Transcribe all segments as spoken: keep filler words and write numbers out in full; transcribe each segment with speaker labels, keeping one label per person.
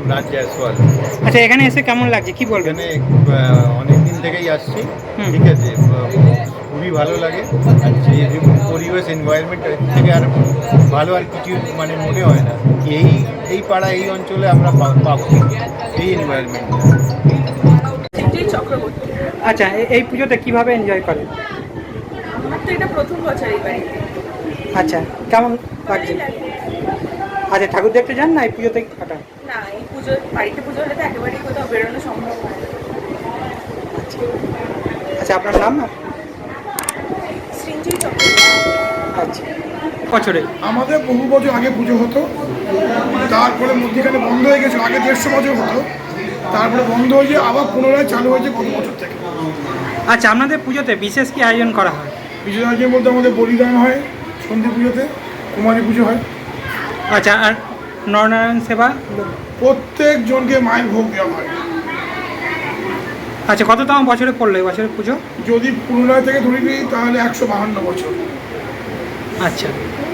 Speaker 1: রাজ জয়সওয়াল।
Speaker 2: আচ্ছা, এখানে এসে কেমন লাগছে কি বলবেন?
Speaker 1: এখানে অনেক দিন থেকেই আসছি, ঠিক আছে, খুবই ভালো লাগে। আর যে পরিবেশ এনভায়রনমেন্ট থেকে আর ভালো আর কিছু মানে মনে হয় না কি এই এই পাড়া এই অঞ্চলে আমরা পাবো এই এনভায়রনমেন্টটা।
Speaker 3: চক্রবর্তী।
Speaker 2: আচ্ছা, এই পুজোতে কিভাবে এনজয় করেন?
Speaker 3: আমার তো এটা প্রথম বছর এই বাড়িতে।
Speaker 2: আচ্ছা, কেমন লাগছে? আচ্ছা, ঠাকুর দেখতে যান না এই পুজোতে কাটান?
Speaker 3: না, এই পুজো বাড়িতে পুজো হলে তো একেবারেই কোথাও বেরোনো সম্ভব হয় না।
Speaker 2: আচ্ছা আচ্ছা, আপনার নাম?
Speaker 3: সৃঞ্জয় চক্রবর্তী।
Speaker 2: আচ্ছা, বছরে
Speaker 4: আমাদের বহু বছর আগে পুজো হতো, তারপরে মধ্যিখানে বন্ধ হয়ে গেছে। আগে দেড়শো বছর হতো, তারপরে বন্ধ হয়ে গিয়ে আবার পুনরায় চালু হয়েছে গত বছর থেকে।
Speaker 2: আচ্ছা, আপনাদের পুজোতে বিশেষ কি আয়োজন করা হয়?
Speaker 4: বিশেষ আয়োজন বলতে আমাদের বলিদান হয় সন্ধি পুজোতে, কুমারী পুজো হয়।
Speaker 2: আচ্ছা, আর নরনারায়ণ সেবা?
Speaker 4: প্রত্যেক জনকে মায়ের ভোগ দেওয়া হয়।
Speaker 2: আচ্ছা, কততম বছরে পড়লো এই বছরের পুজো?
Speaker 4: যদি পুনরায় থেকে ধরে নিই তাহলে একশো বাহান্ন বছর।
Speaker 2: আচ্ছা,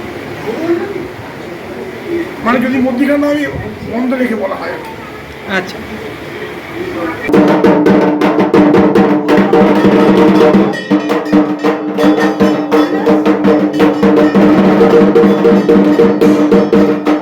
Speaker 4: মানে যদি মধ্যিখানে আমি বন্ধ রেখে বলা হয়।
Speaker 2: আচ্ছা।
Speaker 5: Thank you.